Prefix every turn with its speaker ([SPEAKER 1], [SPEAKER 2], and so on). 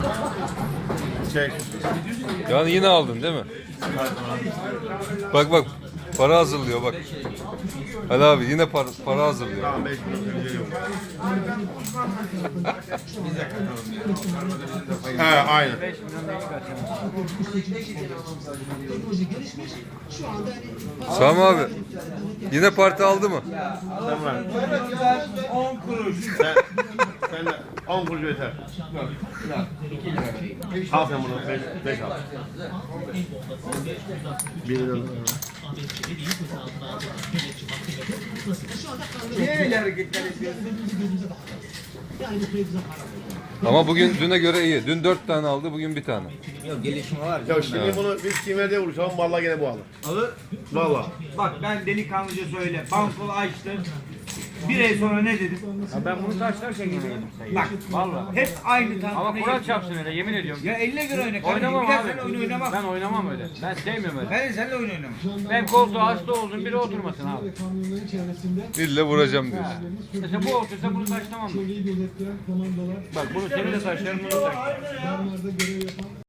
[SPEAKER 1] Çek.
[SPEAKER 2] Yani yine aldın değil mi? Bak para hazırlıyor bak. Ali abi yine para hazırlıyor.
[SPEAKER 1] Tamam 5 milyon yok. He aynen.
[SPEAKER 2] Sami abi yine parti aldı mı?
[SPEAKER 1] Tamam.
[SPEAKER 3] 10 kuruş.
[SPEAKER 1] Sen de 10 kuruş yeter. Al sen bunu 5 al. 1 lira.
[SPEAKER 3] Niye öyle hareketler yapıyorsun?
[SPEAKER 2] Ama bugün düne göre iyi. Dün 4 tane aldı, bugün bir tane.
[SPEAKER 3] Yok gelişme var.
[SPEAKER 1] Ya şimdi bunu biz kimlerde vuruşalım vallahi gene bu alır.
[SPEAKER 3] Alır.
[SPEAKER 1] Vallahi.
[SPEAKER 3] Bak ben delikanlıca söyle. Bankolu açtım. Bir ay sonra ne dedim?
[SPEAKER 4] Ya ben bunu taşlarken yine yedim sayı.
[SPEAKER 3] Bak
[SPEAKER 4] Vallahi.
[SPEAKER 3] hep aynı
[SPEAKER 4] Ama
[SPEAKER 3] tantana
[SPEAKER 4] Kur'an
[SPEAKER 3] yedim.
[SPEAKER 4] çarpsın öyle yemin ediyorum.
[SPEAKER 3] Ya eline göre oyna.
[SPEAKER 4] Oynamam
[SPEAKER 3] Bir kere
[SPEAKER 4] abi.
[SPEAKER 3] seninle oyun oynamam.
[SPEAKER 4] Ben oynamam öyle. Ben sevmiyorum öyle.
[SPEAKER 3] Ben de seninle oyun oynamam.
[SPEAKER 4] Ben koltuğa hasta oldum biri oturmasın abi.
[SPEAKER 2] İlle vuracağım diyor.
[SPEAKER 4] Mesela bu otursa bunu taşlamam mı? Bak bunu seni de taşlarım bunu da taşlarım.